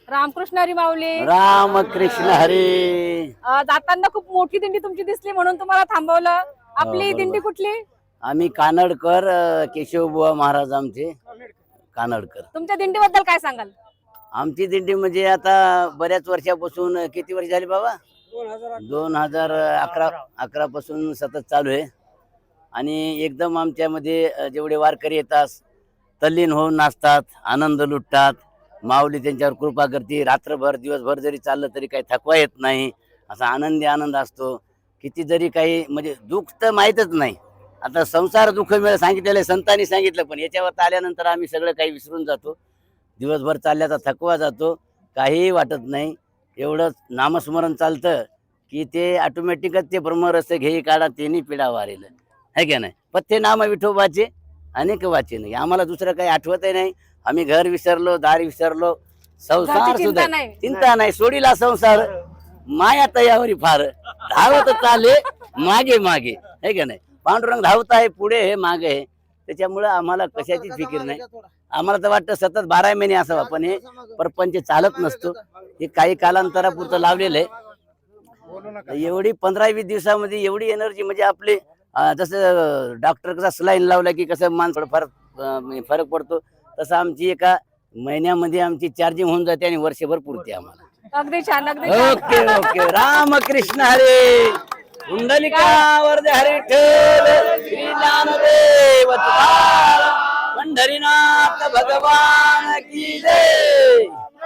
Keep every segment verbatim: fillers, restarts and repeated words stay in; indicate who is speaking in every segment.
Speaker 1: रामकृष्ण हरी माऊली.
Speaker 2: रामकृष्ण हरी.
Speaker 1: अ, जाताना खूप मोठी दिंडी तुमची दिसली म्हणून तुम्हाला थांबवलं. आपली
Speaker 2: बरोबर.
Speaker 1: दिंडी कुठली?
Speaker 2: आम्ही कानडकर अ, केशवबुवा महाराज आमचे कानडकर.
Speaker 1: तुमच्या दिंडीबद्दल काय सांगाल?
Speaker 2: आमची दिंडी म्हणजे आता बऱ्याच वर्षापासून, किती वर्ष झाली बाबा, दोन हजार अकरा अकरा पासून सतत चालू आहे. आणि एकदम आमच्यामध्ये अ, जेवढे वारकरी येतात तल्लीन होऊन नाचतात, आनंद लुटतात. माऊली त्यांच्यावर कृपा करते. रात्रभर दिवसभर जरी चाललं तरी काही थकवा येत नाही, असा आनंदी आनंद असतो. किती जरी काही म्हणजे दुःख तर माहीतच नाही. आता संसार दुःख मिळ सांगितलेलं आहे, संतांनी सांगितलं, पण याच्यावर आल्यानंतर आम्ही सगळं काही विसरून जातो. दिवसभर चालल्याचा थकवा जातो, काहीही वाटत नाही. एवढंच नामस्मरण चालतं की ते ऑटोमॅटिकच ते ब्रह्मरस घेई काढा तेनी पिढा वारेल, है का नाही. पथ्य नाम विठोबाचे अनेक वाचे नाही. आम्हाला दुसरं काही आठवतही नाही. आम्ही घर विसरलो, दार विसरलो, संसार
Speaker 1: घरची चिंता
Speaker 2: सुद्धा
Speaker 1: नाही.
Speaker 2: चिंता नाही. सोडीला संसार माया तयावरी फार धावत चाले मागे मागे, है का नाही. पांडुरंग धावत आहे पुढे, हे मागे आहे. त्याच्यामुळं आम्हाला कशाची फिकीर नाही. आम्हाला तर वाटतं सतत बारा महिने असावा, पण हे परपंच चालत नसतो. हे काही कालांतरापुरतं लावलेलं आहे. एवढी पंधरा वीस दिवसामध्ये एवढी एनर्जी म्हणजे आपली अं, जसं डॉक्टर कसा सलाईन लावला की कसं माणसाला फरक अं, फरक पडतो, तसं आमची एका महिन्यामध्ये आमची चार्जिंग होऊन जाते आणि वर्षभर पुरते आम्हाला.
Speaker 1: अगदी छान, अगदी छान.
Speaker 2: Okay okay. रामकृष्ण हरे. कुंडलिका वरदे हरी ठेव. श्री ज्ञानदेव तुकाराम पंढरीनाथ भगवान की जय.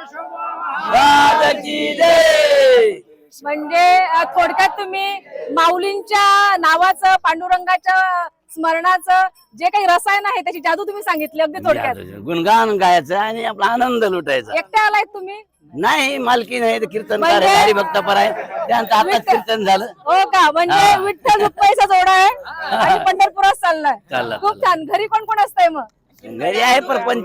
Speaker 2: राज की जय.
Speaker 1: म्हणजे अ, थोडक्यात तुम्ही माऊलींच्या नावाचं, पांडुरंगाच्या स्मरणाचं जे काही रसायन आहे त्याची जादू तुम्ही सांगितली अगदी थोडक्यात.
Speaker 2: गुणगान गायचं आणि आपला आनंद लुटायचा.
Speaker 1: एकटे आलाय तुम्ही?
Speaker 2: नाही, मालकी नाही, कीर्तनकार
Speaker 1: म्हणजे-
Speaker 2: आहे, हरिभक्तपर आहे. त्यांचं आताच
Speaker 1: विठ्ठल-
Speaker 2: कीर्तन झालं.
Speaker 1: हो का? म्हणजे
Speaker 2: हा.
Speaker 1: विठ्ठल रुक्माईचा जोडा आहे आणि पंढरपुरात चाललाय.
Speaker 2: चालला,
Speaker 1: खूप
Speaker 2: चालला.
Speaker 1: छान. घरी कोण कोण असतंय मग?
Speaker 2: घरी आहे परपंच.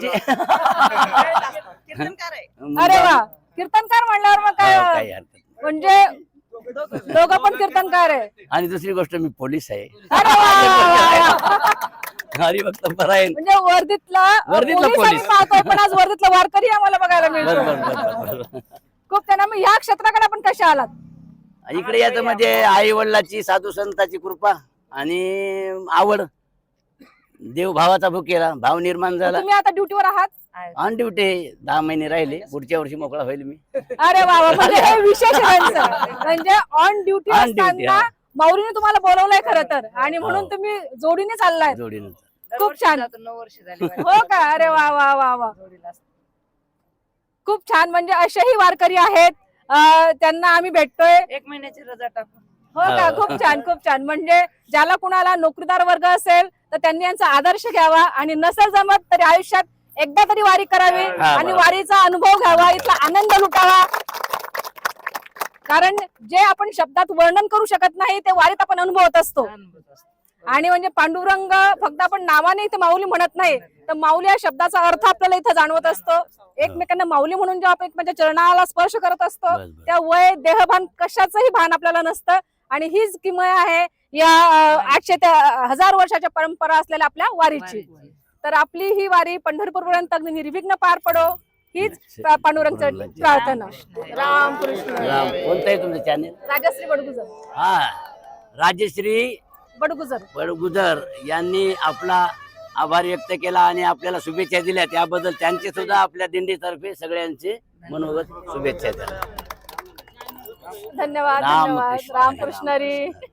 Speaker 1: अरे वा, कीर्तनकार म्हणल्यावर मग
Speaker 2: काही
Speaker 1: काय
Speaker 2: हरकत नाही.
Speaker 1: म्हणजे दोघं पण कीर्तनकार आहे.
Speaker 2: आणि दुसरी गोष्ट मी पोलीस आहे.
Speaker 1: अरे वा, वा, वा.
Speaker 2: हरिभक्तपर आहे.
Speaker 1: म्हणजे वर्धीतला
Speaker 2: वर्धीतला
Speaker 1: पोलीस आम्ही
Speaker 2: पोलीस.
Speaker 1: पाहतो, पण आज वर्धीतला वारकरी आम्हाला बघायला
Speaker 2: बर
Speaker 1: मिळतो.
Speaker 2: बर बर बर.
Speaker 1: खूप त्यांना. मग ह्या क्षेत्राकडे आपण कशा आलात?
Speaker 2: इकडे याचं म्हणजे आई वडिलाची, साधू संतांची कृपा आणि आवड. देव भावाचा भुकेला भाव निर्माण झाला.
Speaker 1: तुम्ही आता ड्युटीवर आहात?
Speaker 2: On duty. दहा महिने राहिले, पुढच्या वर्षी मोकळा होईल मी.
Speaker 1: अरे वा वा. म्हणजे हे विशेष आहे त्यांचं. म्हणजे ऑन ड्युटी
Speaker 2: On duty,
Speaker 1: असताना
Speaker 2: हा.
Speaker 1: माऊलीने तुम्हाला बोलवलंय खरं तर, आणि म्हणून
Speaker 2: हो.
Speaker 1: तुम्ही जोडीने चाललाय.
Speaker 2: जोडीनं.
Speaker 1: खूप छान.
Speaker 3: नऊ वर्ष झाली.
Speaker 1: हो का? अरे वा वा वा वा. खूप छान. म्हणजे असेही वारकरी आहेत, अं, त्यांना आम्ही भेटतोय.
Speaker 3: एक महिन्याची रजा टाकून.
Speaker 1: हो का? खूप छान, खूप छान. म्हणजे ज्याला कुणाला नोकरीदार वर्ग असेल तर त्यांनी यांचा आदर्श घ्यावा, आणि नसेल जमत तरी आयुष्यात एकदा तरी वारी करावी
Speaker 2: हा,
Speaker 1: आणि
Speaker 2: बरोबर.
Speaker 1: वारीचा अनुभव घ्यावा, इथला आनंद लुटावा. कारण जे आपण शब्दात वर्णन करू शकत नाही ते वारीत आपण अनुभवत असतो. आणि म्हणजे पांडुरंग फक्त आपण नावाने इथे माऊली म्हणत नाही, तर माऊली या शब्दाचा अर्थ आपल्याला इथं जाणवत असतो. एकमेकांना माऊली म्हणून जेव्हा आपण एकमेकांच्या चरणाला स्पर्श करत असतो,
Speaker 2: बस, बस.
Speaker 1: त्या वय देहभान कशाचंही भान आपल्याला नसतं. आणि हीच किमया आहे या अं, आठशे ते हजार वर्षाच्या परंपरा असलेल्या आपल्या वारीची. तर आपली ही वारी पंढरपूर पर्यंत अगदी निर्विघ्न पार पडो, हीच पांडुरंगाची प्रार्थना. रामकृष्ण.
Speaker 2: राम. कोणतं आहे तुमचं चॅनेल?
Speaker 1: राजश्री बडगुजर.
Speaker 2: हा, राजश्री
Speaker 1: बडगुजर.
Speaker 2: बडगुजर यांनी आपला आभार व्यक्त केला आणि आपल्याला शुभेच्छा दिल्या. त्याबद्दल त्यांचे सुद्धा आपल्या दिंडीतर्फे सगळ्यांचे मनोगत शुभेच्छा द्या.
Speaker 1: धन्यवाद.
Speaker 2: राम
Speaker 1: धन्यवाद.
Speaker 2: कृष्ण.
Speaker 1: रामकृष्ण हरी.